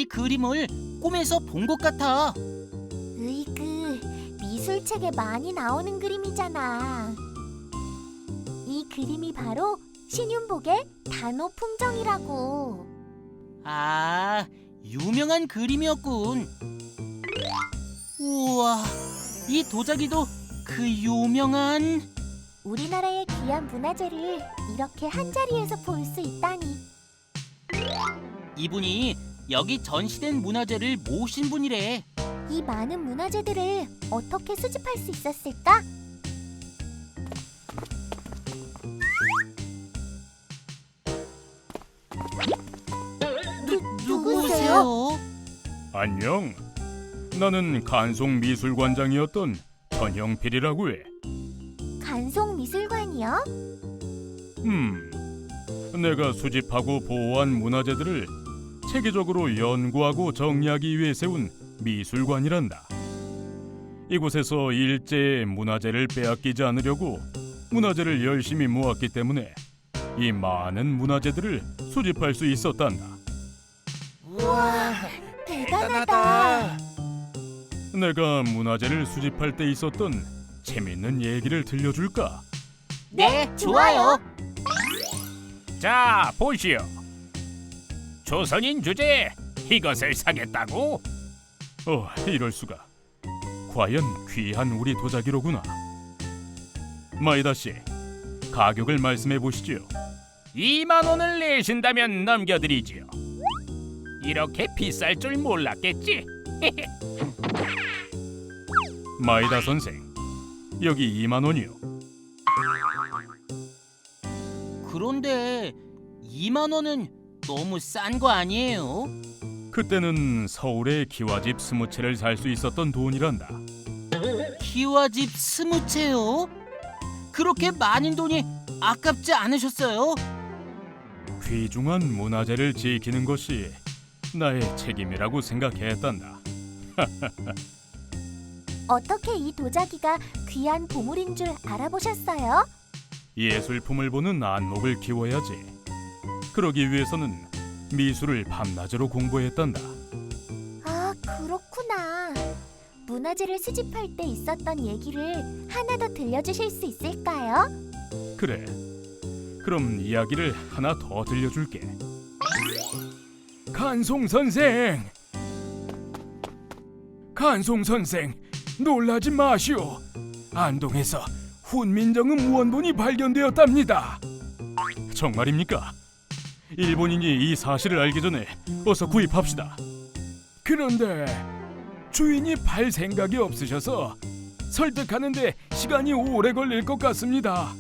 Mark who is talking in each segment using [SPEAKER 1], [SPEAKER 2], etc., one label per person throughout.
[SPEAKER 1] 그림을 꿈에서 본 것 같아.
[SPEAKER 2] 으이그, 미술책에 많이 나오는 그림이잖아. 이 그림이 바로 신윤복의 단오 풍정이라고.
[SPEAKER 1] 아, 유명한 그림이었군. 우와, 이 도자기도 그 유명한...
[SPEAKER 2] 우리나라의 귀한 문화재를 이렇게 한자리에서 볼 수 있다니.
[SPEAKER 1] 이분이 여기 전시된 문화재를 모신 분이래.
[SPEAKER 2] 이 많은 문화재들을 어떻게 수집할 수 있었을까?
[SPEAKER 1] 누구세요?
[SPEAKER 3] 안녕. 나는 간송미술관장이었던 전형필이라고 해.
[SPEAKER 2] 간송미술관이요?
[SPEAKER 3] 내가 수집하고 보호한 문화재들을 체계적으로 연구하고 정리하기 위해 세운 미술관이란다. 이곳에서 일제의 문화재를 빼앗기지 않으려고 문화재를 열심히 모았기 때문에 이 많은 문화재들을 수집할 수 있었단다.
[SPEAKER 1] 우와,
[SPEAKER 2] 대단하다.
[SPEAKER 3] 내가 문화재를 수집할 때 있었던 재밌는 얘기를 들려줄까?
[SPEAKER 1] 네, 좋아요.
[SPEAKER 3] 자, 보시오. 조선인 주제에 이것을 사겠다고? 이럴 수가. 과연 귀한 우리 도자기로구나. 마이다 씨, 가격을 말씀해 보시지요. 2만 원을 내신다면 넘겨드리지요. 이렇게 비쌀 줄 몰랐겠지? 마이다 선생, 여기 2만 원이요.
[SPEAKER 1] 그런데 2만 원은 너무 싼 거 아니에요?
[SPEAKER 3] 그때는 서울에 기와집 20채를 살 수 있었던 돈이란다.
[SPEAKER 1] 기와집 20채요? 그렇게 많은 돈이 아깝지 않으셨어요?
[SPEAKER 3] 귀중한 문화재를 지키는 것이 나의 책임이라고 생각했단다.
[SPEAKER 2] 어떻게 이 도자기가 귀한 보물인 줄 알아보셨어요?
[SPEAKER 3] 예술품을 보는 안목을 키워야지. 그러기 위해서는 미술을 밤낮으로 공부했단다.
[SPEAKER 2] 아, 그렇구나. 문화재를 수집할 때 있었던 얘기를 하나 더 들려주실 수 있을까요?
[SPEAKER 3] 그래. 그럼 이야기를 하나 더 들려줄게. 간송 선생! 간송 선생, 놀라지 마시오. 안동에서 훈민정음 원본이 발견되었답니다. 정말입니까? 일본인이 이 사실을 알기 전에 어서 구입합시다. 그런데 주인이 팔 생각이 없으셔서 설득하는데 시간이 오래 걸릴 것 같습니다.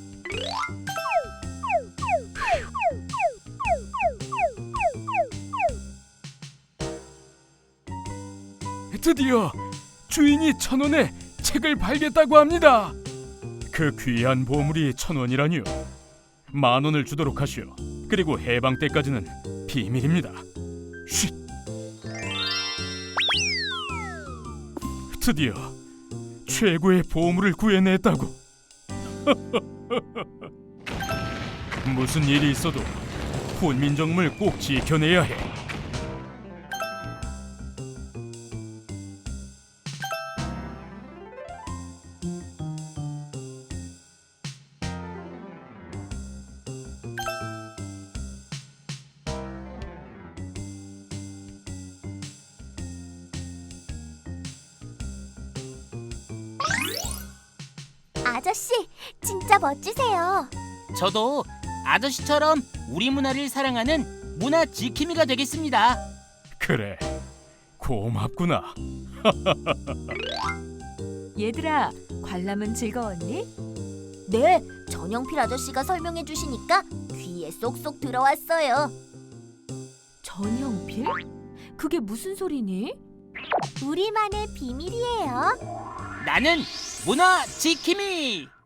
[SPEAKER 3] 드디어 주인이 1,000원에 책을 팔겠다고 합니다. 그 귀한 보물이 1,000원이라니요. 10,000원을 주도록 하시오. 그리고 해방 때까지는 비밀입니다. 쉿. 드디어 최고의 보물을 구해냈다고. 무슨 일이 있어도 훈민정음을 꼭 지켜내야 해.
[SPEAKER 2] 아저씨, 진짜 멋지세요.
[SPEAKER 1] 저도 아저씨처럼 우리 문화를 사랑하는 문화 지킴이가 되겠습니다.
[SPEAKER 3] 그래, 고맙구나.
[SPEAKER 4] 얘들아, 관람은 즐거웠니?
[SPEAKER 2] 네, 전영필 아저씨가 설명해 주시니까 귀에 쏙쏙 들어왔어요.
[SPEAKER 4] 전형필? 그게 무슨 소리니?
[SPEAKER 2] 우리만의 비밀이에요.
[SPEAKER 1] 나는 문화 지킴이.